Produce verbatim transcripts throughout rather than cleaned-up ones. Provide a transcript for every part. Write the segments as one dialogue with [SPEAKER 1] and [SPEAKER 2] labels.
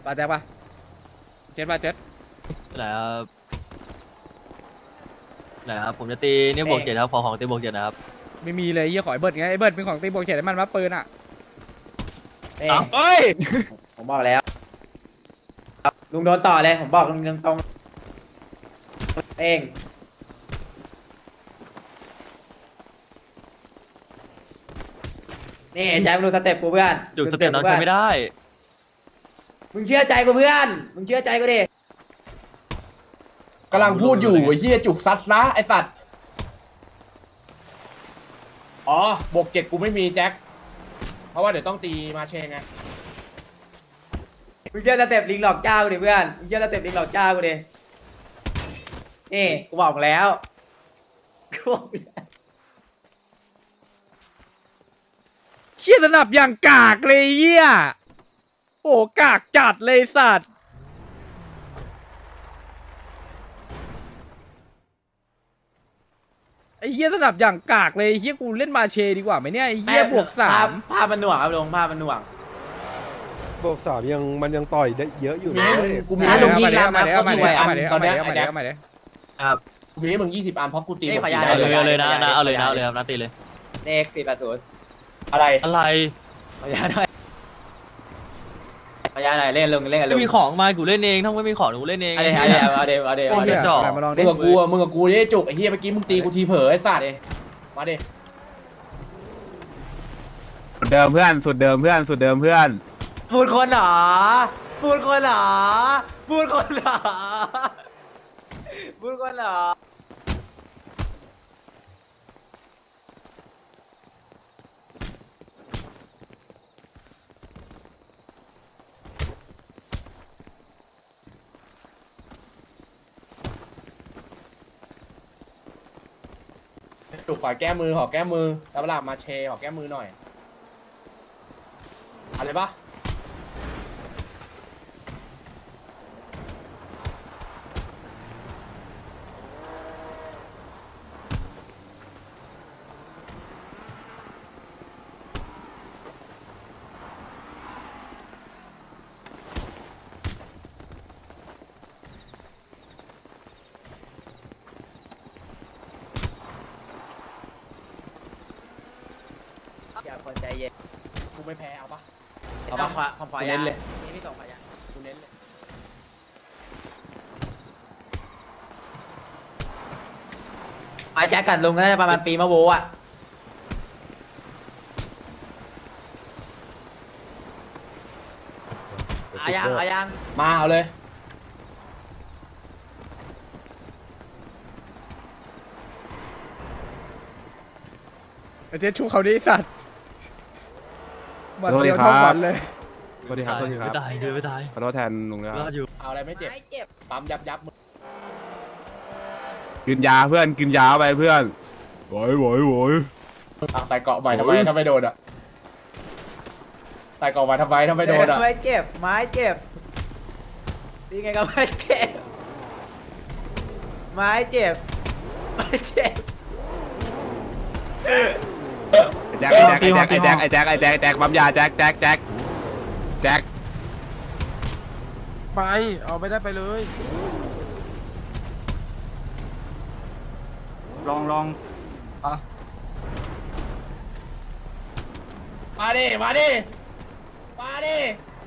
[SPEAKER 1] ปาแจ็คปะเจ็ดปะเจ็ด
[SPEAKER 2] ไหนครับไหนครับผมจะตีนี่บวกเจ็ดครับขอของตีบวกเจ็ดนะครับ
[SPEAKER 1] ไม่มีเลยยี่ขอไอ้เบิร์ดไงไอ้เบิร์ดเป็นของตีโบเขตให้มันมาปืนอ่ะ
[SPEAKER 3] เอง
[SPEAKER 1] เฮ้ย
[SPEAKER 3] ผมบอกแล้วลุงโดนต่อเลยผมบอกลุงตรงๆเองนี่แจ็คดูสเต็ปกูเพื่อน
[SPEAKER 2] จุดสเต็ปน้องใช้ไม่ได้
[SPEAKER 3] มึงเชื่อใจกูเพื่อนมึงเชื่อใจกูดิ
[SPEAKER 4] กำลังพูดอยู่ไอ้เหี้ยจุกซัดนะไอ้สัตว์อ๋อบวกเจ็ดกูไม่มีแจ็คเพราะว่าเดี๋ยวต้องตีมาเชงไง
[SPEAKER 3] มึงเชื่อสเต็ปลิงหลอกเจ้ากูดิเพื่อนมึงเชื่อสเต็ปลิงหลอกเจ้ากูดินี่กูบอกแล้วกูบอกแล้ว
[SPEAKER 1] เขี้ยสนับอย่างกากเลยเยี่ยโอ้กากจัดเลยสัตว์ไอ้เหี้ยสนับอย่างกากเลยไอ้เหี้ยกูเล่นมาเชดีกว่าไหมเนี่ยไอ้เหี้ยบวกสาม
[SPEAKER 3] ภาพมันหน่วงครับลุงภาพมันหน่วง
[SPEAKER 5] บวกสามยังมันยังต่อยได้เยอะอยู่
[SPEAKER 4] มี
[SPEAKER 5] นะ
[SPEAKER 4] ให้มึงกูมี
[SPEAKER 3] อ่ะ
[SPEAKER 4] ให้
[SPEAKER 3] ลุ
[SPEAKER 4] มึ
[SPEAKER 3] ง
[SPEAKER 4] ง
[SPEAKER 3] ยิง
[SPEAKER 4] ยี่สิบ
[SPEAKER 3] มา
[SPEAKER 4] อัน
[SPEAKER 3] แล้ว
[SPEAKER 4] ตอนเนี้ย
[SPEAKER 1] เอามา
[SPEAKER 4] ไอ้
[SPEAKER 1] เดี๋
[SPEAKER 4] แจ็
[SPEAKER 1] ยว
[SPEAKER 4] ค
[SPEAKER 1] เอามาเดี๋ยว
[SPEAKER 4] ตอนเนี้ย
[SPEAKER 1] เอา
[SPEAKER 4] ไอ้
[SPEAKER 1] มา
[SPEAKER 4] แจ็
[SPEAKER 1] เดี๋ยว
[SPEAKER 4] ค
[SPEAKER 1] เอามาเดี๋ยว
[SPEAKER 2] ครับ
[SPEAKER 4] กูมีให้มึงยี่สิบอันเพราะกูตี
[SPEAKER 3] เอ้ย
[SPEAKER 4] หมด
[SPEAKER 3] ขอ
[SPEAKER 4] สี
[SPEAKER 3] ย้าย
[SPEAKER 4] ได้
[SPEAKER 2] เอา
[SPEAKER 4] เล
[SPEAKER 2] เลย
[SPEAKER 4] ย
[SPEAKER 2] เอาเลยนะนะเอาเลยนะเอาเลยครับนะตีเลย
[SPEAKER 3] เลขสี่แปดศูนย์
[SPEAKER 4] อะไร
[SPEAKER 2] อะไร
[SPEAKER 3] ขอย้ายหน่อยขอย้ายหน่อยเล่นลุงเล่นกันลุ
[SPEAKER 2] ไม่
[SPEAKER 3] ง
[SPEAKER 2] มีของมากูเล่นเองถ้าไม่มีของกูเล่นเอง
[SPEAKER 3] เอาเดี๋ยวเอาเดี๋ยวเอาเดี๋ยวเอาเดี๋ยวเอา
[SPEAKER 1] เหี้
[SPEAKER 3] เดี๋
[SPEAKER 1] ย
[SPEAKER 3] ยว
[SPEAKER 2] จ่อ
[SPEAKER 1] มาลอง
[SPEAKER 4] มึ
[SPEAKER 1] ดิ
[SPEAKER 4] งกับกูอะมึงกับกูนี่จุกไอ้เหี้ยเมื่อกี้มึงตีกูทีเผลอไอ้สัตว์มาดิ
[SPEAKER 6] สุดเดิมเพื่อนสุดเดิมเพื่อนสุดเดิมเพื่อน
[SPEAKER 3] บูดคนเหรอบูดคนเหรอบูดคนเหรอบูดคนเหรอ
[SPEAKER 4] จุกขอแก้มือขอแก้มือแล้วเวลามาเชขอแก้มือหน่อยอะไรปะ
[SPEAKER 3] อย่าคนใจเย็น
[SPEAKER 4] กูไม่แพ้เอาปะ
[SPEAKER 3] เอา
[SPEAKER 4] เอา
[SPEAKER 3] ปะ
[SPEAKER 4] ปะ
[SPEAKER 3] ผมขอ
[SPEAKER 4] กู
[SPEAKER 3] ยา
[SPEAKER 4] เน้นเลย
[SPEAKER 3] นี่พี่ส่งขอยา
[SPEAKER 4] กูเน้นเลย
[SPEAKER 3] ไอ้แจ็คกัดลุงก็น่าจะประมาณปีมะโวอ่ะเอายังเอายัง
[SPEAKER 4] มาเอาเลย
[SPEAKER 1] ไอ้เจ๊ชูเขาดิสัตว์วัน
[SPEAKER 6] สวัสดี
[SPEAKER 1] เดียว
[SPEAKER 6] ครับ
[SPEAKER 1] เท่าวันเลย
[SPEAKER 6] สวัสดีครับสวัสดีครับ
[SPEAKER 2] ไม่ตายเดี๋ยวไม่ตาย
[SPEAKER 6] ขอโทษแทนลุงนะค
[SPEAKER 2] ร
[SPEAKER 6] รั
[SPEAKER 2] อบ ดอยู่
[SPEAKER 4] เอาอะไรไม่เจ็บ
[SPEAKER 3] ไม่เจ็บ
[SPEAKER 4] ปั๊มยับยับมือ
[SPEAKER 6] กินยาเพื่อนกินยาไปเพื่อนโวยโวยโวย
[SPEAKER 4] อ่ะใส่เกาะใหม่ทำไมถ้าไม่โดนอ่ะใส่เกาะใหม่ทำไมถ้าไม่โดนอ่ะ
[SPEAKER 3] ไม่เจ็บไม้เจ็บดีไงก็ไม่เจ็บไม้เจ็บไม่เจ็บ
[SPEAKER 6] ไอ้แจ็คไอ้แจ็คไอ้แจ็คไอ้แจ็คไอ้แจ็คไอ้แจ็คไอ้แจ็คปั๊มยาแจ็คแจ็คแจ็คแจ็ค
[SPEAKER 5] ไปเอาไม่ได้ไปเลย
[SPEAKER 6] ลองลอง
[SPEAKER 4] มาดิมาดิมาดิ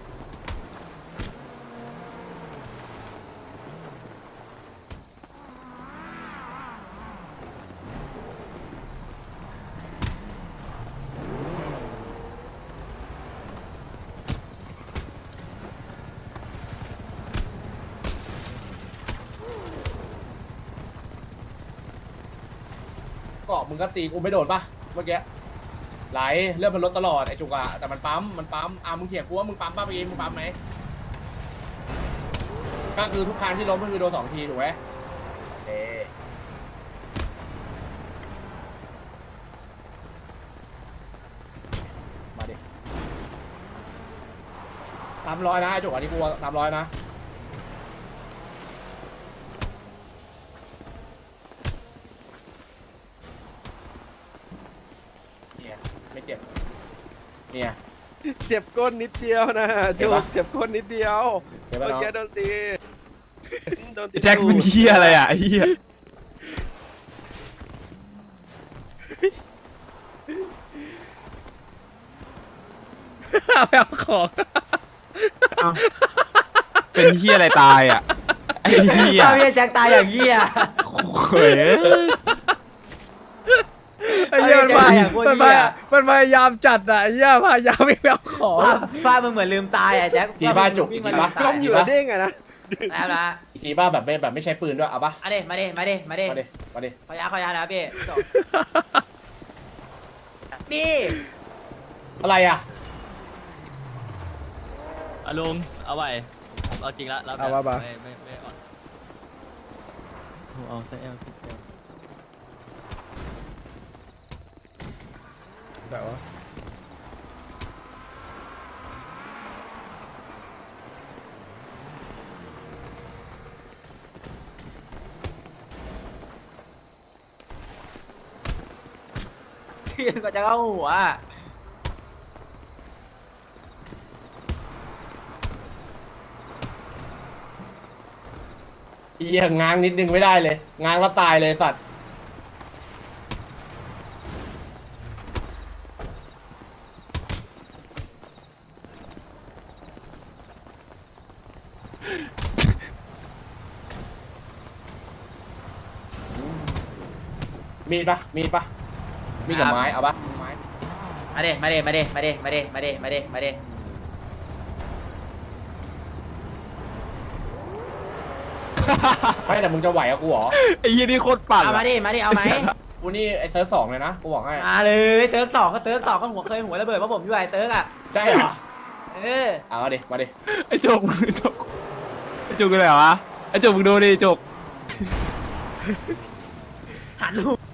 [SPEAKER 4] เกาะมึงก็ตีกูไม่โดนปะเมื่อกี้ไหลเลื่อนมันลดตลอดไอ้จุกอะแต่มันปั๊มมันปั๊มอ่ะมึงเถียงกูว่ามึงปั๊มป่ะเมื่อกี้มึงปั๊มไหมก็คือทุกครั้งที่ล้มก็คือโดนสองทีถูกไหมเอ๊มาดิสามร้อยนะไอ้จุกอันนี้กูสามร้อยนะเนี่ยไม่เจ็บเนี่ย
[SPEAKER 5] เจ็บก้นนิดเดียวนะจุกเจ็บก้นนิดเดียว
[SPEAKER 4] เดี๋ยวไป
[SPEAKER 5] เมื่อ
[SPEAKER 4] น้อง
[SPEAKER 5] กี้โดนตีโดนตี
[SPEAKER 6] แจ็คเป็นเฮียอะไรอ่ะไอ้เฮีย
[SPEAKER 1] ไปเอาของ
[SPEAKER 6] เป็นเฮียอะไรตายอ่ะไอ้เฮีย
[SPEAKER 3] ถ้าพี่แจ็คตายอย่างเงี้ย
[SPEAKER 6] เฮ้ย
[SPEAKER 1] ไอ้เหี้ยมันพา
[SPEAKER 3] เอาไป
[SPEAKER 1] มัน
[SPEAKER 3] เหี้
[SPEAKER 1] พาย มันพยายามจัดอ่ะไอ้เหี้ยพยายามไม่ไปเอาของ
[SPEAKER 3] ฟ้าฟ้ามึงเหมือนลืมตายอ่ะแจ็ค
[SPEAKER 4] จีบ้าจุก
[SPEAKER 3] วิ่ง
[SPEAKER 4] จี
[SPEAKER 3] มา
[SPEAKER 4] บ้า
[SPEAKER 3] ตา
[SPEAKER 5] ก้มอยู่แล้วเด้งอะนะ
[SPEAKER 3] แล้วนะ
[SPEAKER 4] จีบ้าแบบไม่แบบไม่ใช้ปืนด้วยเอาปะ
[SPEAKER 3] มาดิมาดิมาดิมาดิ
[SPEAKER 4] มาดิมาดิ
[SPEAKER 3] ขอยาขอยานะพี่จบนี่
[SPEAKER 4] อะไรอ่ะ
[SPEAKER 2] อ่ะลุงเอาไว้เอาจริงละเรา
[SPEAKER 1] เอาว่ามา
[SPEAKER 2] ไม่ไม่ไม่อ่อนเอาแต่เอลสิบเอล
[SPEAKER 1] แบบว่า
[SPEAKER 3] เทียนก็จะเข้าหัว
[SPEAKER 4] เอียง้างนิดนึงไม่ได้เลย ง้างแล้วตายเลยสัตว์ มีดปะมีดปะมีดกับไม้เอาปะไม้
[SPEAKER 3] มาดิมาดิมาดิมาดิมาดิมาดิมาดิมาดิ
[SPEAKER 4] ไม่แต่มึงจะไหวกับกูเหรอ
[SPEAKER 6] ไอ้เฮียนี่โคตรปั่น
[SPEAKER 3] เอามา
[SPEAKER 6] อะ
[SPEAKER 3] ดิมาดิเอาไหม
[SPEAKER 4] กูนี่ไอ้เซิร์ฟสองเลยนะกูบอกให้
[SPEAKER 3] มาเลยเซิร์ฟสองก็เซิร์ฟสองก็หัวเคยหัวระเบิดเพราะผมอยู่ไอ้เซิร์ฟอ่ะ
[SPEAKER 4] ใช่เหรอ
[SPEAKER 3] เออ
[SPEAKER 4] เอามาดิมาดิ
[SPEAKER 6] ไอ้จุกไอ้จุกไอ้จุกเป็นไรวะไอ้จุกมึงดูดิจุก
[SPEAKER 3] หันลูก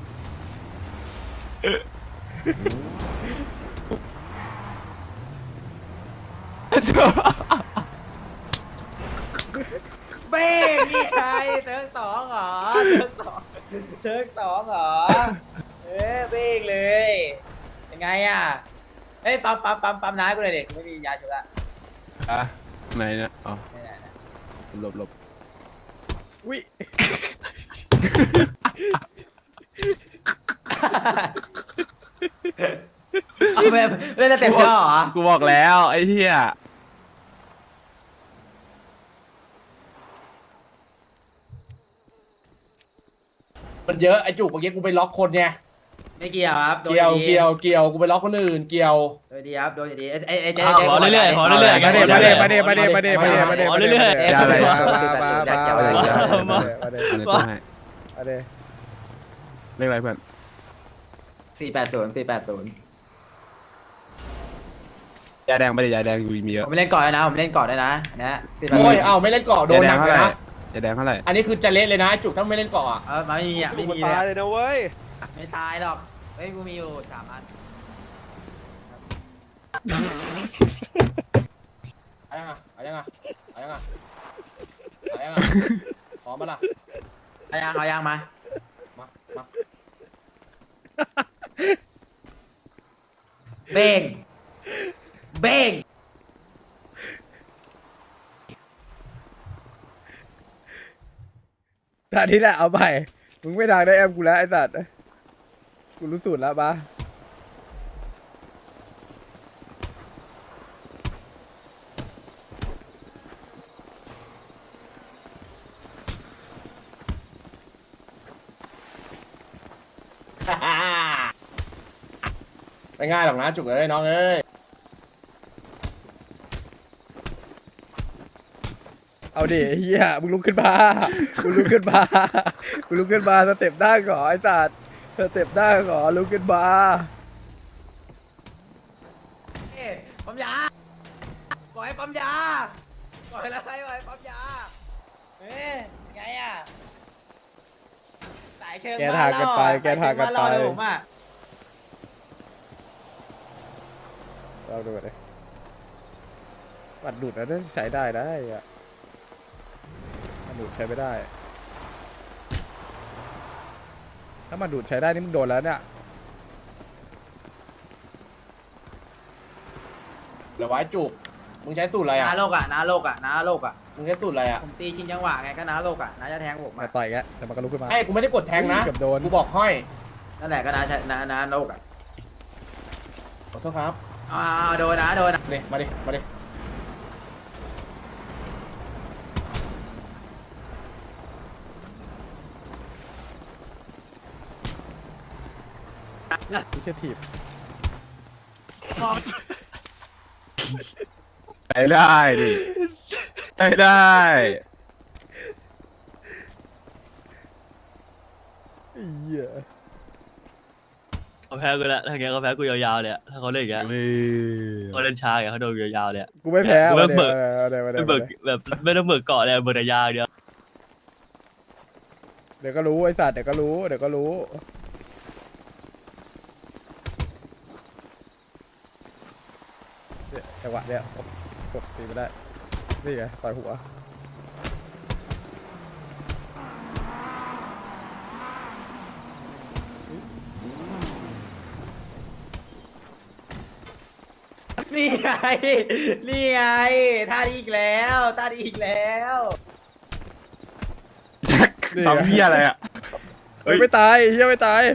[SPEAKER 3] เบ้งนี่ไงเซิร์ฟสองเหรอเซิร์ฟสองเซิร์ฟสองเหรอเออเบ้งเลยยังไงอ่ะเฮ้ยปั๊มปั๊มปั๊มปั๊มน้ำกูเลยดิไม่มียาชุบละ
[SPEAKER 6] อะไหนเนี่ยอ๋อ
[SPEAKER 3] นี่แหละ
[SPEAKER 6] หลบหลบ
[SPEAKER 1] วิ
[SPEAKER 3] เอาไปเล่นสเต็ปย่อเหรอ
[SPEAKER 6] กูบอกแล้วไอ้เฮีย
[SPEAKER 4] มันเยอะไอ้จุกเมื่อกี้กูไปล็อกคนไง
[SPEAKER 3] ไม่เกี่ยวครับโดน
[SPEAKER 4] เกี่ยว
[SPEAKER 3] ดี
[SPEAKER 4] เกี่ยวเกี่ยวกูไปล็อกคนอื่นเกี่ยว
[SPEAKER 3] โดนดีครับโดนดีไอ้ไอ้ไอ้เจ๊
[SPEAKER 2] เอา
[SPEAKER 3] เจ๊
[SPEAKER 2] ขอเรื่อยๆขอเรื่อยๆ
[SPEAKER 1] มาเดมาเดมาเดมาเดมาเดมาเดมาเดมาเด
[SPEAKER 2] เอาเรื่อยๆ
[SPEAKER 1] มามามามามามามา
[SPEAKER 6] อันนี้ต้องให้
[SPEAKER 1] มาเด
[SPEAKER 6] เรียกอะไรเพื่อน
[SPEAKER 3] สี่แปดศูนย์สี่แปดศูนย์
[SPEAKER 6] ยาแดงไปดิยาแดงอยู่มีเยอะ
[SPEAKER 3] ผมเล่นก่อนนะผมเล่นก่อนด้วยนะนะสี่แปด
[SPEAKER 4] โอ้ยเอ้าไม่เล่นเกาะโด
[SPEAKER 6] ยาน แด
[SPEAKER 4] หนั
[SPEAKER 6] ง
[SPEAKER 4] ก
[SPEAKER 6] เท่า
[SPEAKER 4] เล
[SPEAKER 6] ไห
[SPEAKER 4] ย
[SPEAKER 6] ร่
[SPEAKER 4] นะ
[SPEAKER 6] ยาแดงเท่าไหร่
[SPEAKER 4] อันนี้คือจะเละเลยนะไอ้จุกถ้าไม่เล่นเกาะอ่ะ
[SPEAKER 3] เออมาไม่มีอ่ะไม่
[SPEAKER 5] กู
[SPEAKER 3] มี
[SPEAKER 5] ตาย
[SPEAKER 3] เล
[SPEAKER 5] เลย ยนะเว้ย
[SPEAKER 3] ไม่ตายหรอกเฮ้ยกูมีอยู่สามอัน
[SPEAKER 4] เอายังอ่ะเอายังอ่ะเอายังอ่ะเอายังอ่ะพร้อมปะล่ะ
[SPEAKER 3] เอายังเอายังมา
[SPEAKER 4] มามา
[SPEAKER 3] เบ้งเบ้ง
[SPEAKER 1] ตอนนี้แหละเอาไปมึงไม่ดังได้แอมกูแล้วไอ้สัตว์กูรู้สูตรแล้วปะ
[SPEAKER 4] ไม่ง่ายหรอกนะจุกเอ้ยน้องเอ้ย
[SPEAKER 1] เอาดิไอ้เฮียมึงลุกขึ้นมามึงลุกขึ้นมามึงลุกขึ้นมาสเต็ปได้ก่อนไอ้สัตว์สเต็ปได้ก่อนลุกขึ้นมา
[SPEAKER 3] เอ้ยปั๊มยาปล่อยให้ปั๊มยาปล่อยแล้วให้ปล่อยปั๊มยาเฮ้ยยังไงอ่ะสายเชิง
[SPEAKER 1] แกทางกันไปแกทางกันไป
[SPEAKER 3] สยเชิงบ้รอดเลยผมอ่ะ
[SPEAKER 1] เราดูเลยบัตรดูดแล้วน่าจะใช้ได้ได้อะบัตรดูดใช้ไม่ได้ ถ้าบัตรดูดใช้ได้นี่มึงโดนแล้วเนี่ย
[SPEAKER 4] เดี๋ยวไว้จุกมึงใช้สูตรอะไรอ่ะ
[SPEAKER 3] น้าโลกอ่ะน้าโลกอ่ะน้าโลกอ่ะ
[SPEAKER 4] มึงใช้สูตรอะไรอ่ะ
[SPEAKER 3] ผมตีชิงจังหวะไงก็น้าโลกอ่ะน้าจะแทงผม
[SPEAKER 1] มา
[SPEAKER 3] อ่ะ
[SPEAKER 1] ต่อยแกแต่มันก็ลุกขึ้นมา
[SPEAKER 4] ไอ้กูไม่ได้กดแทงนะ
[SPEAKER 1] เกือบโดน
[SPEAKER 4] กูบอกห้อย
[SPEAKER 3] นั่นแหละก็น้าใช้น้าน้าโลกอ่ะ
[SPEAKER 4] ขอโทษครับ
[SPEAKER 3] อ่าโดนนะโดนนะ
[SPEAKER 4] มาดิมาดิมาดิ
[SPEAKER 1] ไม่ใช่ถีบ
[SPEAKER 6] ไปได้ดิไปได้
[SPEAKER 1] ไอ้เหี้ย
[SPEAKER 2] เขาแพ้กูแล้วถ้าอย่างเงี้ยเขาแพ้กูยาวๆเลยอะถ้าเขาเล่นอย่างเงี้ยเขาเล่นช้าอย่างเงี้ยเขาโดนยาวๆเลยอะ
[SPEAKER 1] กูไม่แพ้
[SPEAKER 2] กูไม่เบิก
[SPEAKER 1] เอาดี๋ยวเอาดี๋ยว
[SPEAKER 2] ไม่
[SPEAKER 1] เอา
[SPEAKER 2] เบิก
[SPEAKER 1] ดี๋ยว
[SPEAKER 2] แบบไม่ต้องเบิกเกาะเลยเบิกแต่ยาวเดียว
[SPEAKER 1] เดี๋ยวก็รู้ไอ้สัตว์เดี๋ยวก็รู้เดี๋ยวก็รู้เนี่ยจังหวะเนี้ยกดตีไม่ได้นี่ไงต่อยหัว
[SPEAKER 3] นี่ไงนี่ไงท่านี้อีกแล้วท่านี้อีกแล้ว
[SPEAKER 6] แจ็คทำเหี้ยอะไรอ่ะ
[SPEAKER 1] เฮ้ยไม่ตายไอ้เหี้ยไม่ตาย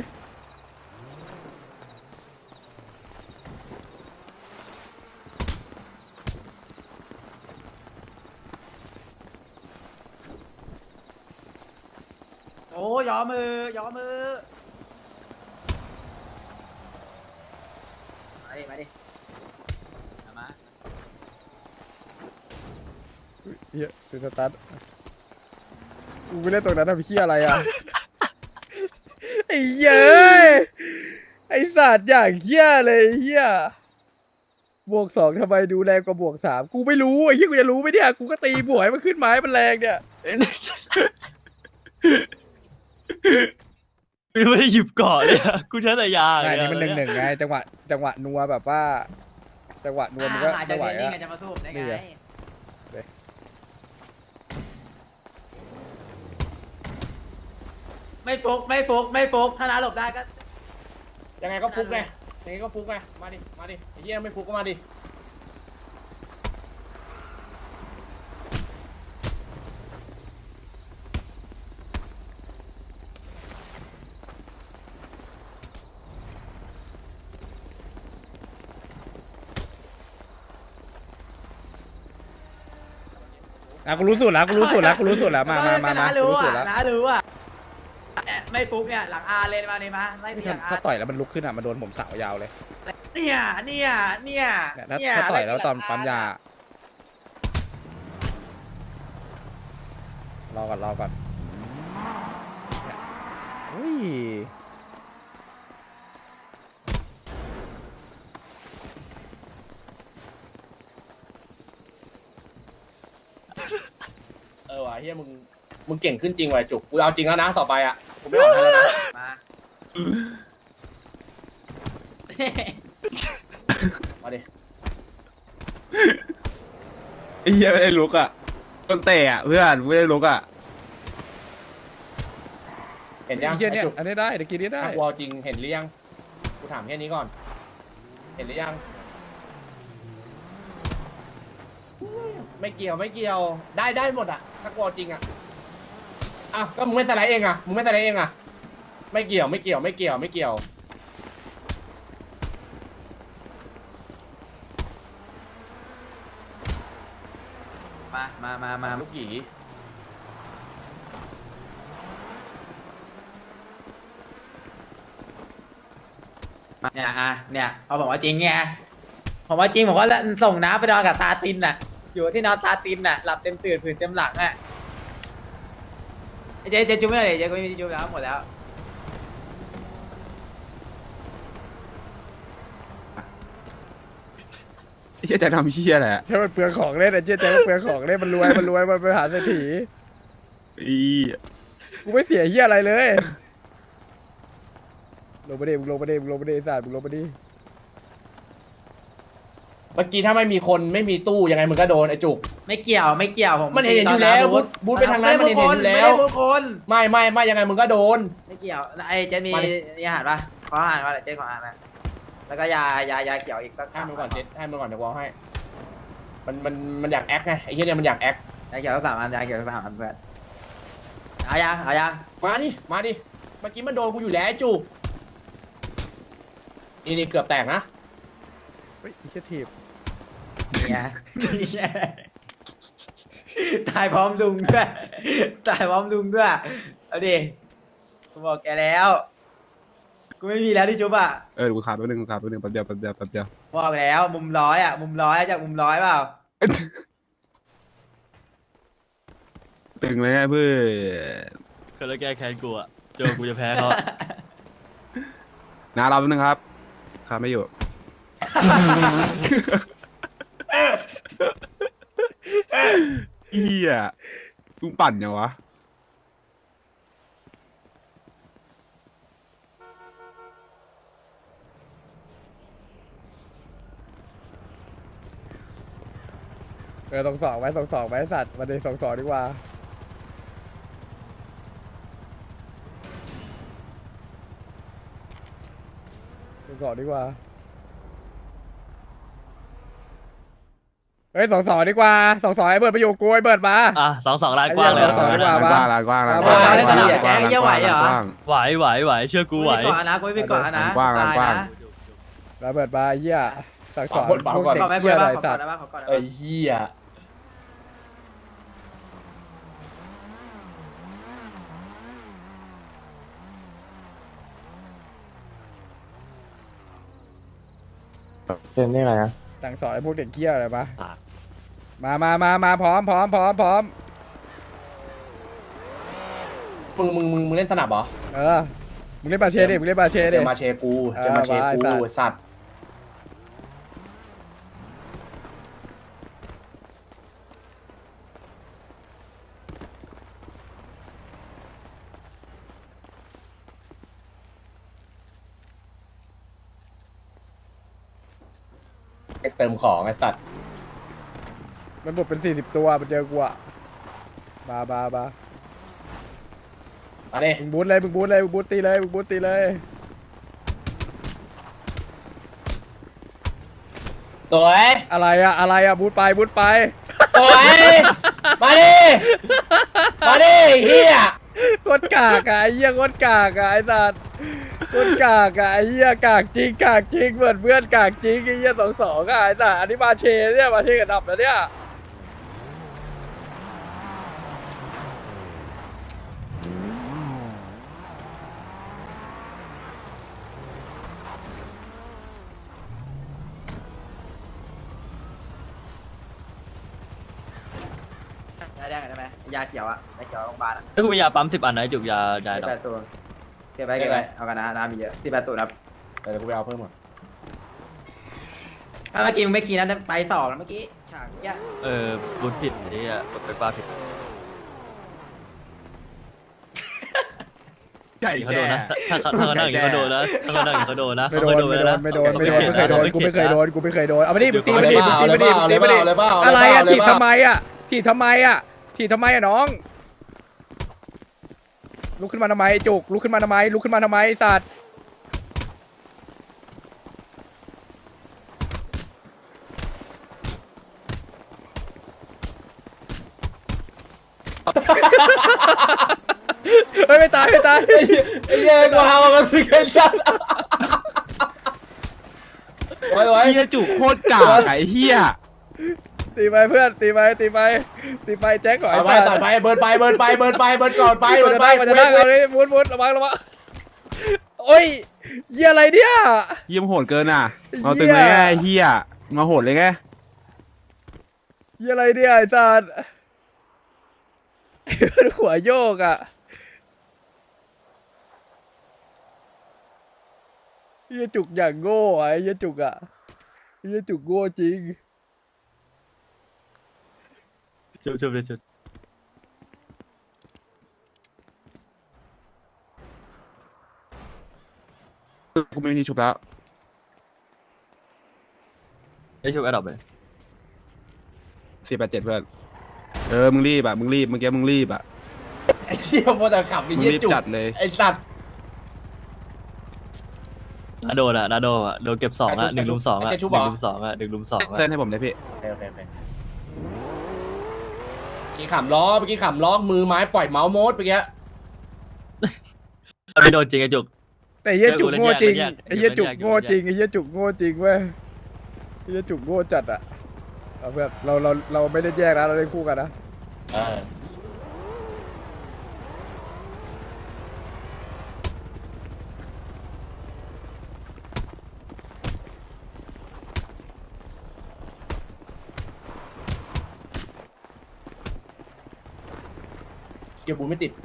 [SPEAKER 3] โอ้ยอมือยอมือมาดิมาดิเอามา
[SPEAKER 1] เหี้ยคือสตาร์ทกูไม่เล่นตรงนั้นทำเหี้ยอะไรอ่ะ ไอ้เหี้ยเอ้ยไอ้สัตว์อย่างเหี้ยเลยไอ้เหี้ยบวกสองทำไมดูแรงกว่าบวกสามกูไม่รู้ไอ้เหี้ยกูจะรู้ไหมเนี่ยกูก็ตีบวกให้มันขึ้นไม้มันแรงเนี่ย
[SPEAKER 2] กูไม่ได้หยิบเกาะเลยอะกูใช้แต่ยา
[SPEAKER 1] ไง
[SPEAKER 2] อย่าง
[SPEAKER 1] นี่
[SPEAKER 2] เงี้ย
[SPEAKER 1] มันหนึ่งหนึ่งไงจังหวะจังหวะนัวแบบว่า จังหวะนัวมันก็
[SPEAKER 3] อ่าหา
[SPEAKER 1] ไม่
[SPEAKER 3] จาก
[SPEAKER 1] ไหว
[SPEAKER 3] เทรนนิ่ง
[SPEAKER 1] อะ
[SPEAKER 3] อะจะมาสู้ได้
[SPEAKER 1] นี่
[SPEAKER 3] ไง
[SPEAKER 1] ไง
[SPEAKER 3] ไม่ฟุกไม่ฟุกไม่ฟุกถ้าน้าหลบได้ก็
[SPEAKER 4] ยังไงก็ฟุกไงยังไงก็ฟุกไงมาดิมาดิไอ้เหี้ยไม่ฟุกก็มาดิ
[SPEAKER 1] อ่ะกูรู้สูตรแล้วกูรู้สูตรแล้วกูรู้สูตรแล้วมามามามา
[SPEAKER 3] น้า
[SPEAKER 1] กู
[SPEAKER 3] รู้
[SPEAKER 1] รู้สูต
[SPEAKER 3] อ่ะ
[SPEAKER 1] รแล้ว
[SPEAKER 3] น้ารู้อ่ะไม่ฟุกเนี่ยหลังอาเลยมาเลยมาไล่ตีห
[SPEAKER 1] ถ้า
[SPEAKER 3] ลังอา
[SPEAKER 1] ถ้าต่อยแล้วมันลุกขึ้นอ่ะมันโดนผมสาวยาวเลย
[SPEAKER 3] เนี่ยเนี่ยเนี่ย
[SPEAKER 1] เนี่ยถ้าถ้าต่อยแล้วตอนปั๊มยา รอก่อนรอก่อนเนี่ยอุ้ย
[SPEAKER 4] เออว่ะเฮียมึงมึงเก่งขึ้นจริงว่ะจุกกูเอาจริงแล้วนะต่อไปอ่ะกูไม่ออกให้แล้วนะ
[SPEAKER 3] มา
[SPEAKER 4] มาดิ
[SPEAKER 6] ไอ้เหี้ยไม่ได้ลุกอ่ะต้นเตะอ่ะเพื่อนไม่ได้ลุกอ่ะ
[SPEAKER 4] เห็นยัง
[SPEAKER 1] ไอ้เหี้ยเนี่ย
[SPEAKER 4] ไอ้จุก
[SPEAKER 1] อันนี้ได้เดี๋ยวกินนี้ได้
[SPEAKER 4] ถ้ากูเอาจริงเห็นหรือยังกูถามแค่นี้ก่อน เห็นหรือยังไม่เกี่ยวไม่เกี่ยวได้ได้หมดอ่ะถ้ากูเอาจริงอ่ะอ้าวก็มึงไม่สไลด์เองอ่ะมึงไม่สไลด์เองอ่ะไม่เกี่ยวไม่เกี่ยวไม่เกี่ยวไม่เกี่ยว
[SPEAKER 3] มามามามา
[SPEAKER 4] ลูกหยี
[SPEAKER 3] เนี่ยอ่ะเนี่ยเขาบอกว่าจริงไงผมว่าจริงผมก็ส่งน้าไปนอนกับตาตินน่ะ อยู่ที่นอนตาตินน่ะหลับเต็มตื่นผื่นเต็มหลังอ่ะเจ๊เจ๊จุ๊บไม่ได้เจ๊ก็ไม่มีจุ๊บแล้วหมดแล้ว
[SPEAKER 6] ไอ้เหี้ยจะทำเหี้ยอะไรอ่ะ
[SPEAKER 1] ถ้ามันเปลืองของเล่นไอ้เจ๊แต่มันเปลืองของเล่นมันรวยมันรวยมันไปหาเศรษฐี
[SPEAKER 6] อี
[SPEAKER 1] กูไม่เสียเหี้ยอะไรเลยลงไปดิมึงลงไปดิมึงลงไปดิไอ้สัตว์มึงลงไปดิ
[SPEAKER 4] เมื่อกี้ถ้าไม่มีคนไม่มีตู้ยังไงมึงก็โดนไอ้จุก
[SPEAKER 3] ไม่เกี่ยวไม่เกี่ยวผม
[SPEAKER 4] มันเห็นอยู่แล้วบูธบูธไปทางนั้นมันเห็นอยู่แล้ว
[SPEAKER 3] ไม่ได้พูดคน
[SPEAKER 4] ไม่ไม่ไม่ยังไงมึงก็โดน
[SPEAKER 3] ไม่เกี่ยวไอ้เจ๊มี
[SPEAKER 4] มาดิ
[SPEAKER 3] อาหารปะขออาหารมาเจ๊ขออาหารนะแล้วก็ยายายาเขียวอีกสัก
[SPEAKER 4] ให้มันก่อนเจ็ดให้มันก่อนเดี๋ยวกูเอาให้มันมันมันอยากแอคไงไอ้เหี้ยเนี่ยมันอยากแอค
[SPEAKER 3] ยาเขียวสามอันยาเขียวสามอันเพื่อนเอายังเอายัง
[SPEAKER 4] มาดิมาดิเมื่อกี้มันโดนกูอยู่แล้วไอ้จุกนี่นี่เกือบแตกนะ
[SPEAKER 1] เฮ้ยไอ้เชี่ยทีบ
[SPEAKER 3] เนี่ยเนี่ยตายพร้อมดุงด้วยตายพร้อมดุงด้วยเอาดิกูบอกแกแล้วกูไม่มีแล้วที่จุ๊บอ่ะ
[SPEAKER 6] เออกูขาดแป๊บนึงกูขาดแป๊บนึงแป๊บเดียวแป๊บเดียวแป๊บเดียว
[SPEAKER 3] บอกแล้วมุมร้อยอ่ะมุมร้อยจากมุมร้อยเปล่า
[SPEAKER 6] ตึงเลยไงเพื่อน
[SPEAKER 2] ก็แล้วแก้แค้นกูอะเจอกูจะแพ้เขา
[SPEAKER 6] นะเราแป๊บนึงครับขาไม่อยู่ เฮียลุงปั่นยังวะ
[SPEAKER 1] เออสองสองไว้สองสองไว้สัตว์มาเดสองสองดีกว่าสองสองดีกว่าเฮ้ยสองสองดีกว่าสองสองไอ้เบิร์ดไปอยู่กูไอ้เบิร์ดมา
[SPEAKER 2] อ่ะสองสองลานกว้างเลย
[SPEAKER 1] ไอ้เหี้ยสองสองดีกว่า
[SPEAKER 6] ลานกว้างลานกว้างลานก
[SPEAKER 1] มา
[SPEAKER 6] ว้าง
[SPEAKER 1] มา
[SPEAKER 6] ลานกว้าง
[SPEAKER 3] เล่นสนาม
[SPEAKER 6] ลานกว้าง
[SPEAKER 3] แจ๊คเหี้ยไหวเหรอ
[SPEAKER 6] ลานกว้าง
[SPEAKER 2] ไหวไหวไหวเชื่อกูไหว
[SPEAKER 3] กูไม่ก่อนนะกูไม่ไปก่อนนะ
[SPEAKER 6] กว้าง
[SPEAKER 3] ตาย
[SPEAKER 6] กว้าง
[SPEAKER 3] นะ
[SPEAKER 1] ระเบิดมาไอ้เหี้ยสั่งสอน
[SPEAKER 4] ขอก่อน
[SPEAKER 1] พวก
[SPEAKER 4] ขอก่อน
[SPEAKER 1] เด็ก
[SPEAKER 3] ขอแม่
[SPEAKER 1] เหี้ย
[SPEAKER 3] เพื่อน
[SPEAKER 1] อะไร
[SPEAKER 3] บ้างขอ
[SPEAKER 1] สั
[SPEAKER 3] ก่อ
[SPEAKER 1] ต
[SPEAKER 3] น
[SPEAKER 1] ว์
[SPEAKER 3] นะบ้างขอก่อนนะ
[SPEAKER 4] ไอ้
[SPEAKER 3] บ้าง
[SPEAKER 4] เหี้ย
[SPEAKER 5] เจนนี่อะไรนะ
[SPEAKER 1] สั่งสอนไอ้พวกเด็กเหี้ยอะไรปะมามามามาพร้อมพร้อมพร้อมพร้อม
[SPEAKER 4] มึงมึงมึงมึงเล่นสนับเหรอ
[SPEAKER 1] เออมึงเล่นบาเช่ดิมึงเล่นบาเช่
[SPEAKER 4] เจ
[SPEAKER 1] ดิ
[SPEAKER 4] อมาเชกูเจอมาเชกู
[SPEAKER 1] เออมาไอ้สัตว์
[SPEAKER 4] สัตว์ไอ้เติมของไอ้สัตว์
[SPEAKER 1] มันบดเป็นสี่สิบตัวมันเจอกูอะบาบาบา
[SPEAKER 4] มาดิ
[SPEAKER 1] มึงบูทเลยมึงบูทเลยมึงบูทตีเลยมึงบูทตีเลย
[SPEAKER 4] สวย
[SPEAKER 1] อะไรอะอะไรอะบูทไปบูทไป
[SPEAKER 4] สวยมาดิมาดิเฮีย
[SPEAKER 1] โคตรกากอะไอ้เหี้ยโคตรกากอะไอ้สัตว์โคตรกากอะไอ้เหี้ยกากจริงกากจริงเหมือนเพื่อนกากจริงไอ้เหี้ยสองสองอะไอ้สัตว์อันนี้มาเชเนี่ยมาเชกับดับแล้วเนี่ย
[SPEAKER 3] ยาแดงได้ไหมยาเขียวอ่ะยาเขียวโรงพยาบาลอ่ะ
[SPEAKER 2] ถ้ากูมียาปั๊มสิบอันนะไอ้จุกยายา
[SPEAKER 3] สิบ
[SPEAKER 2] ดอก
[SPEAKER 3] แปดศูนย์เก็บไว้เก็บไว้เอากันนะน้ำมีเยอะสิบแปดศูนย์ครับ
[SPEAKER 4] เดี๋ยวกูไปเอาเพิ่มก่อน
[SPEAKER 3] ถ้าเมื่อกี้มึงไม่คีย์นะไปสองแล้วเมื่อกี้ฉากเนี้ย
[SPEAKER 2] เออบุญผิดไอ้เหี้ยกดไปป้าผิด
[SPEAKER 6] ใหญ่
[SPEAKER 2] เขา
[SPEAKER 6] แก่
[SPEAKER 2] โดนนะถ้าเขาถ้าเขานั่งอย่างนี้เขาโดนนะถ้าเขานั่งอย่างนี้เขาโดนนะ
[SPEAKER 1] ไม่โดน
[SPEAKER 2] เขาเคย
[SPEAKER 1] ไม่โดนไม่โดนไม่โดนไม่เคยโดนกูไม่เคยโดนกูไม่เคยโดนเอาไปดิมึงตี
[SPEAKER 4] เอา
[SPEAKER 1] ไป
[SPEAKER 4] เลย
[SPEAKER 1] ดิ
[SPEAKER 4] เป
[SPEAKER 1] มึง
[SPEAKER 4] ล่า
[SPEAKER 1] ตี
[SPEAKER 4] เอา
[SPEAKER 1] ไป
[SPEAKER 4] เลย
[SPEAKER 1] ดิ
[SPEAKER 4] เปล่า
[SPEAKER 1] มึง
[SPEAKER 4] เอา
[SPEAKER 1] ตี
[SPEAKER 4] เลย
[SPEAKER 1] ไป
[SPEAKER 4] เป
[SPEAKER 1] ดิ
[SPEAKER 4] ล่าเอาเลยเปล่า
[SPEAKER 1] อะไรอะ
[SPEAKER 4] เอาเลย
[SPEAKER 1] ถีบ
[SPEAKER 4] เปล่า
[SPEAKER 1] ทำไมอะถีบทำไมอะถีบทำไมอะน้อง ลุกขึ้นมาทำไมไอ้จุกลุกขึ้นมาทำไมลุกขึ้นมาทำไมไอ้สัตว์เฮ้ยไม่ตายไม่ตาย
[SPEAKER 4] ไอ้เหี้ยกูหาว่ามันคือเกนจัดไว้ไว้
[SPEAKER 6] เฮียจุกโคตรกากไอ้เฮีย
[SPEAKER 1] ตีไปเพื่อนตีไปตีไปตีไปแจ็คก่อน
[SPEAKER 4] ต่อยไป
[SPEAKER 1] ไอ้สั
[SPEAKER 4] ต่
[SPEAKER 1] ต
[SPEAKER 4] อย
[SPEAKER 1] ว์
[SPEAKER 4] ไปเบิร์นไปเบิร์นไปเบิร์นไปเบิร์นก่อนไป
[SPEAKER 1] มั
[SPEAKER 4] เบิ
[SPEAKER 1] น
[SPEAKER 4] ร์น
[SPEAKER 1] จะ
[SPEAKER 4] ไป
[SPEAKER 1] นั่งมันจะนั่งเอาเลยมุดมุดระวังระวังโอ้ยเหี้ยอะไรเนี่ย
[SPEAKER 6] เยี่ยมโหดเกินอ่ะเอาตึงเลยไงไอ้เฮียมาโหดเลยไง
[SPEAKER 1] เหี้ยอะไรเนี่ยไอ้สัตว์ไอ้เพื่อนหัวโยกอ่ะเหี้ยจุกอย่างโง่อะไอ้เหี้ยจุกอ่ะไอ้เหี้ยจุกโง่จริง
[SPEAKER 2] ชุบชุบเลยชุบ
[SPEAKER 6] กูไม่มีที่ชุบแล้ว
[SPEAKER 2] ไอ้ชุบแอดดอปเลย
[SPEAKER 6] สี่แปดเจ็ดเพื่อนเออมึงรีบอ่ะมึงรีบเมื่อกี้มึงรีบอ่ะ
[SPEAKER 4] ไอ้เหี้ยโมแต่ขับไอ้
[SPEAKER 6] มึง
[SPEAKER 4] เหี้ย
[SPEAKER 6] รีบ
[SPEAKER 4] จุก
[SPEAKER 6] จัดเลย
[SPEAKER 4] ไอ้สัตว์
[SPEAKER 2] นาโดนอ่ะนาโดนอ่ะโดนเก็บสองอ่ะหนึ่งลุมสองอ่ะหนึ่งลุมสองอ่ะหนึ่งลุมสองอ่ะ
[SPEAKER 6] เส้นให้ผมได้พี่
[SPEAKER 4] โอเคโอเคโอเคกี้ขำล้อเมื่อกี้ขำล้อมือไม้ปล่อยเมาส์โมดเมื่อกี้
[SPEAKER 2] ไม่โดนจริงไอ้จุก
[SPEAKER 1] แต่ไอ้เหี้ยจุกโง่จริง
[SPEAKER 2] เล่นแยก
[SPEAKER 1] ไอ้เหี้ยจุก
[SPEAKER 2] เล่นแยก
[SPEAKER 1] โง่จริงไอ้เหี้ยจุกโง่จริงเว้ยไอ้เหี้ยจุกโง่จัดอะเอาเพื่อนเราเราเราไม่ได้แยกนะเราเล่นคู่กันนะ
[SPEAKER 4] เออเกียร์บูไม่ติด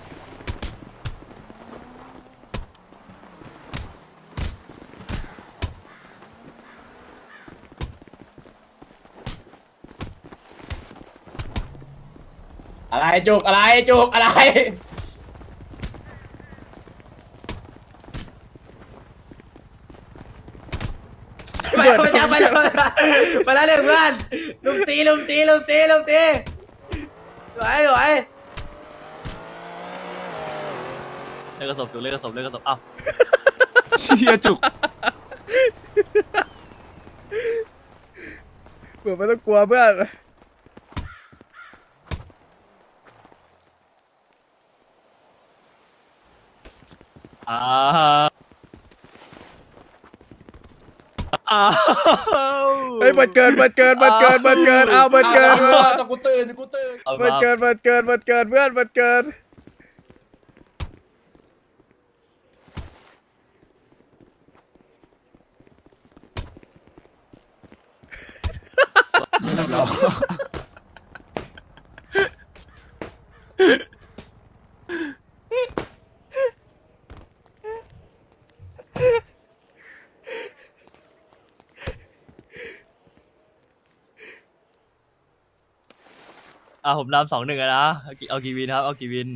[SPEAKER 4] อะไรจุกอะไรจุกอะไร
[SPEAKER 3] ไปแล้วไปแล้วไปแล้วไปแล้วเลยเพื่อนลุมตีลุมตีลุมตีลุมตีสวยสวย
[SPEAKER 2] เล่นกระสบจุกเล่นกระสบเล่นกระสบอ้าว
[SPEAKER 6] เชี่ยจุก
[SPEAKER 1] เผื่อไม่ต้องกลัวเพื่อน
[SPEAKER 2] อ้าวอ้าว
[SPEAKER 1] เฮ้ยมันเกินมันเกินมันเกินมันเกินเอามันเกิน
[SPEAKER 4] อาแต่กูตื่นกูตื่น
[SPEAKER 2] เอา
[SPEAKER 1] มัน
[SPEAKER 2] มา
[SPEAKER 1] เกินมันเกินมันเกินเพื่อนมันเกิน
[SPEAKER 2] อ่ะผมนำสองหนึ่งนะเอากี่เอากี่วินครับเอากี่วิน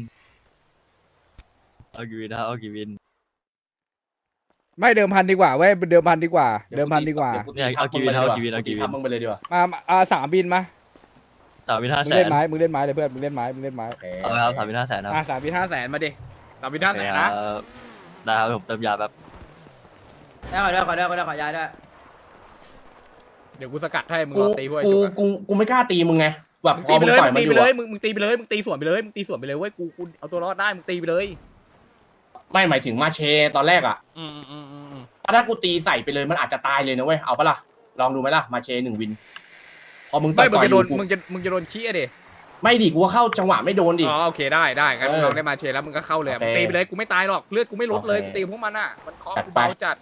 [SPEAKER 2] เอากี่วินครับเอากี่วิน
[SPEAKER 1] ไม่เดิมพันดีกว่าเว้ยเดิมพันดีกว่า เดิมพันดีกว่า
[SPEAKER 2] เนี่ยเอากี่วินเอากี่วินเอากี่วิน
[SPEAKER 4] ทำมึงไปเลยดีกว่า
[SPEAKER 1] มาอ่าสามบินมา
[SPEAKER 2] สามวินห้า
[SPEAKER 1] มึ
[SPEAKER 2] แส
[SPEAKER 1] งเล่
[SPEAKER 2] น
[SPEAKER 1] นไม้มึงเล่นไม้เลยเพื่อนมึงเล่นไม้มึงเล่นไม้
[SPEAKER 2] เอาไหมครับสามวินห้าแสนครับ
[SPEAKER 1] อ่าสามบินห้าแสนมาดิสามบินห้าแสนนะ
[SPEAKER 2] เออได้ครับผมเติมยาแบบ
[SPEAKER 3] ได้ขอด้วยขอด้วยขอด้วยขอยาด้วย
[SPEAKER 1] เดี๋ยวกูสกัดให้มึง
[SPEAKER 4] กู
[SPEAKER 1] รอตีพวกไอ้
[SPEAKER 4] กู
[SPEAKER 1] จุกอะ
[SPEAKER 4] กูกูไม่กล้าตีมึงไงแบบ
[SPEAKER 1] มึง
[SPEAKER 4] พ
[SPEAKER 1] ตี
[SPEAKER 4] อ
[SPEAKER 1] ไป
[SPEAKER 4] มึง
[SPEAKER 1] เลย
[SPEAKER 4] ต่อย
[SPEAKER 1] มึง
[SPEAKER 4] มัน
[SPEAKER 1] ตี
[SPEAKER 4] อ
[SPEAKER 1] ไป
[SPEAKER 4] ยู่
[SPEAKER 1] เลย
[SPEAKER 4] อะ
[SPEAKER 1] มึงมึงตีไปเลยมึงตีสวนไปเลยมึงตีสวนไปเลยเว้ยกูกูเอาตัวรอดได้มึงตีไปเลย
[SPEAKER 4] ไม่หมายถึงมาเชตอนแรกอ่ะ
[SPEAKER 1] อืมอืมอืมอืมอืม
[SPEAKER 4] ถ้ากูตีใส่ไปเลยมันอาจจะตายเลยนะเว้ยเอาปะล่ะลองดูไหมล่ะมาเชหนึ่งวิน พอมึงต่
[SPEAKER 1] ไม่
[SPEAKER 4] อย
[SPEAKER 1] มึง
[SPEAKER 4] ต่อย
[SPEAKER 1] จะ
[SPEAKER 4] อ
[SPEAKER 1] โด
[SPEAKER 4] ยู่
[SPEAKER 1] น
[SPEAKER 4] กู
[SPEAKER 1] มึงจะมึงจะโดนขี้อะดิ
[SPEAKER 4] ไม่ดิกูก็เข้าจังหวะไม่โดนดิ
[SPEAKER 1] อ๋อโอเคได้ได้งั้น
[SPEAKER 4] เออ
[SPEAKER 1] มึงลองได้มาเชยร์แล้วมึงก็เข้าเลย
[SPEAKER 4] โอเค
[SPEAKER 1] มึงตีไปเลยกูไม่ตายหรอกเลือดกูไม่ลดเลย
[SPEAKER 4] โอเค
[SPEAKER 1] กูตีพวกมันอ่ะมันเคาะ
[SPEAKER 4] จัด
[SPEAKER 1] กู
[SPEAKER 4] ไป
[SPEAKER 1] เบาจัด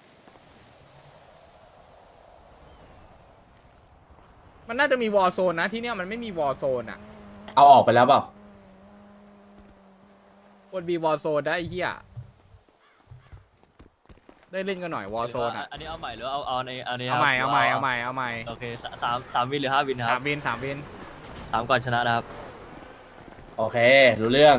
[SPEAKER 1] มันน่าจะมีวอร์โซนนะที่เนี้ยมันไม่มีวอร์โซนอ่ะ
[SPEAKER 4] เอาออกไปแล้วเปล่า
[SPEAKER 1] ควรมีวอร์โซนได้ไอ้เหี้ยได้เล่นกันหน่อยวอร์โซนอ่ะ
[SPEAKER 2] อันนี้เอาใหม่หรือเอาเอาในอันนี้ค
[SPEAKER 1] เอา
[SPEAKER 2] รับ
[SPEAKER 1] ใหม่เอาใหม่เอาใหม่เอาใหม่
[SPEAKER 2] โอเคสามสามสามวินหรือห้าวินค
[SPEAKER 1] สา
[SPEAKER 2] รั
[SPEAKER 1] ม
[SPEAKER 2] บ
[SPEAKER 1] วินสามวิน
[SPEAKER 2] สามก่อนชนะนะครับ
[SPEAKER 4] โอเครู้เรื่อง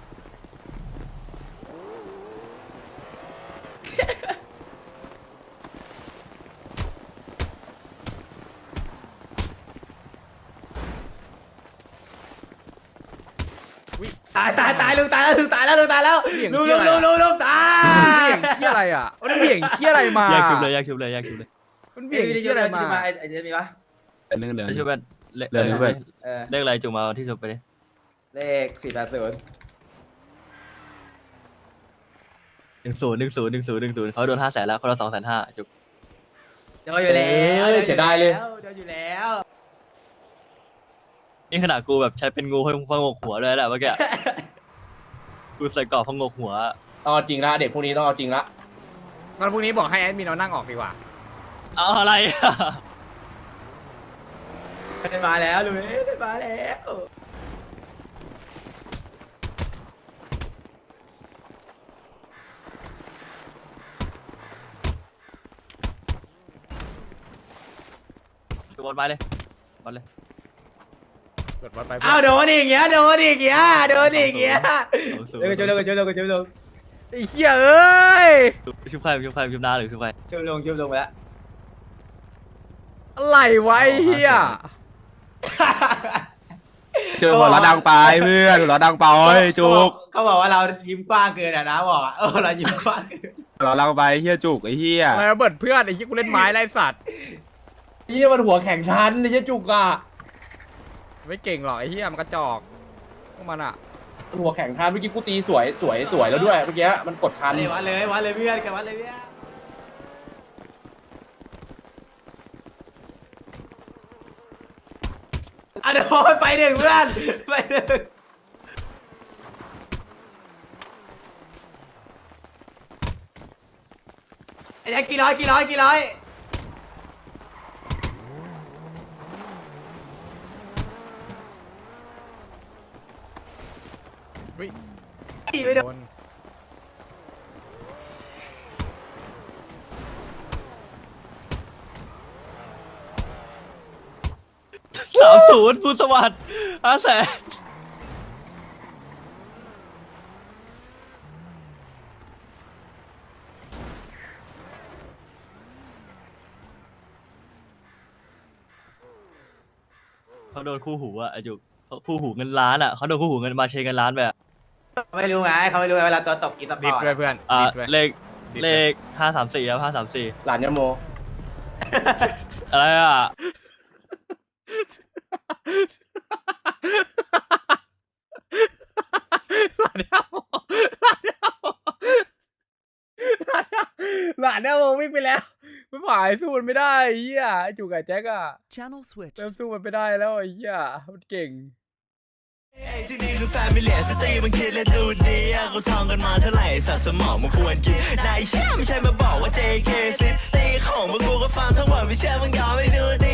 [SPEAKER 3] ตายตายตายลุงตายแล้วลุงตายแล้วลุงตายแล้ว
[SPEAKER 1] เบี่ยง
[SPEAKER 3] ลุง
[SPEAKER 1] เหี้
[SPEAKER 3] ลุ
[SPEAKER 1] ย
[SPEAKER 3] ง
[SPEAKER 1] อะไร
[SPEAKER 3] ลุง
[SPEAKER 1] อะ
[SPEAKER 3] ลุงลุงตา
[SPEAKER 1] มันเบี่ยงเหี้ยอะไรอ่ะมันเบี่ยงเหี้ยอะไรมา
[SPEAKER 2] แยกชุบเลยแยกชุบเลยแยกชุบเลย
[SPEAKER 1] มัน
[SPEAKER 3] เบี่
[SPEAKER 1] เบี่
[SPEAKER 3] ย
[SPEAKER 1] ย
[SPEAKER 3] ง
[SPEAKER 1] ง
[SPEAKER 3] ที่
[SPEAKER 1] เหี้ยอะไรมา
[SPEAKER 3] มาไอ้ไอ้เจมีปะ
[SPEAKER 6] เรื่องเดิม
[SPEAKER 2] ไม่ชุบเป็นเลข
[SPEAKER 6] เดี๋ยวชุบเป็น
[SPEAKER 3] เออ
[SPEAKER 2] เลขอะไรจุงมาที่สุดไปดิ
[SPEAKER 3] เลขสี่แปดศูนย์
[SPEAKER 2] หนึ่งศูนย์หนึ่งศูนย์หนึ่งศูนย์หนึ่งศูนย์เขาโดนห้าแสนแล้วคนละสองแสนห้าจุก
[SPEAKER 3] เจออยู่แล้ว
[SPEAKER 4] เอ้ยเสียดายเลย
[SPEAKER 3] เจออยู่แล้ว
[SPEAKER 2] นี่ขนาดกูแบบใช้เป็นงูพงกหัวเลยแหละเมื่อกี้ กูใส่กรอบพงกหัว
[SPEAKER 4] ต้องเอาจริงละเด็กพวกนี้ต้องเอาจริงละ
[SPEAKER 1] วันพรุ่งนี้บอกให้แอดมินเอานั่งออกดีกว่า
[SPEAKER 2] เอาอะไรอะ
[SPEAKER 3] ได้มาแล้วลุงเอ้ยได้มาแล้ว
[SPEAKER 2] จุกบอลไปเลยบอลเลย
[SPEAKER 1] กดวัดไป
[SPEAKER 3] อ้าวโดนอีกเงี้ยโดนอีกเงี้ยโดนอีกเงี้ย
[SPEAKER 2] สองศูนย์
[SPEAKER 3] เร็วช่วยเร็วช่วยเร็วช่วยเร็ว
[SPEAKER 1] ไอ้เหี้ยเอ้ย
[SPEAKER 2] ชุบใครชุบใครชุบน้าหรือชุบใคร
[SPEAKER 3] ช่วยลงช่วยลงไปแล้ว
[SPEAKER 1] อะไรวะไอ้เหี้ย
[SPEAKER 6] เจอหัวเราะดังไปเพื่อนหัวเราะดังไปจุก
[SPEAKER 3] เขาบอกว่าเรายิ้มกว้างเกินอ่ะนะบอกอ่ะเออเรายิ้มกว้างเกิน
[SPEAKER 6] หัวเราะดังไปเฮียจุกไอ้เฮีย
[SPEAKER 1] ทำไมมาเบิดเพื่อนไอ้เหี้ยกูเล่นไม้ไล่สัตว์
[SPEAKER 4] นี่มันหัวแข่งทันนี่จะจุกอ่ะ
[SPEAKER 1] ไม่เก่งหรอกไอ้เหี้ยมันกระจอกพวกมันอ่ะ
[SPEAKER 4] หัวแข็งทันเมื่อกี้กูตีสวยสวยสวยแล้วด้วยเมื่อกี้มันกดทัน
[SPEAKER 3] เลยวัดเลยวัดเลยเพื่อนกันวัดเลยเพื่อนอ่ะเดี๋ยวไปหนึ่งเพื่อนไปหนึ่งไอ้แจ็คกี่ร้อยกี่ร้อยกี่ร้อยไม่โดน
[SPEAKER 2] สามศูนย์ภูสวัสดิ์ห้าแสนเขาโดนคู่หูอะไอจุกเขาคู่หูเงินล้านอะเขาโดนคู่หูเงินมาเชงเงินล้านไปอะ
[SPEAKER 3] ไม่รู้ไงเขาไม่รู้ไงเวลาตัวตกกินสป
[SPEAKER 1] ดิ
[SPEAKER 3] อ
[SPEAKER 1] ด
[SPEAKER 3] ร์ต
[SPEAKER 1] ด้วยเพื่อน
[SPEAKER 2] อ่า
[SPEAKER 1] ดิดด้วย
[SPEAKER 2] เลขเลขห้าสามสี่ครับห้าสามสี่
[SPEAKER 4] หลานยาโม
[SPEAKER 2] อะไรอ่ะ
[SPEAKER 1] หลานเนี่ยหลานเนี่ยโมวิ่งไปแล้วไม่ไหวสู้มันไม่ได้ไอ้เหี้ยไอ้จุกกับแจ็คอะ
[SPEAKER 7] Channel switch.
[SPEAKER 1] เริ่มสู้มันไม่ได้แล้วไอ้เหี้ยมันเก่ง
[SPEAKER 8] ที่นี่คือแฟมิเลียสตรีมันคิดและดูดีอะเขาท่องกันมาเท่าไหร่สัตว์สมองมันควรกินนายเชื่อไม่ใช่มาบอกว่า เจ เค ซิตีของพวกกูก็ฟังทั้งหมดไม่เชื่อมึงยอมไม่ดูดี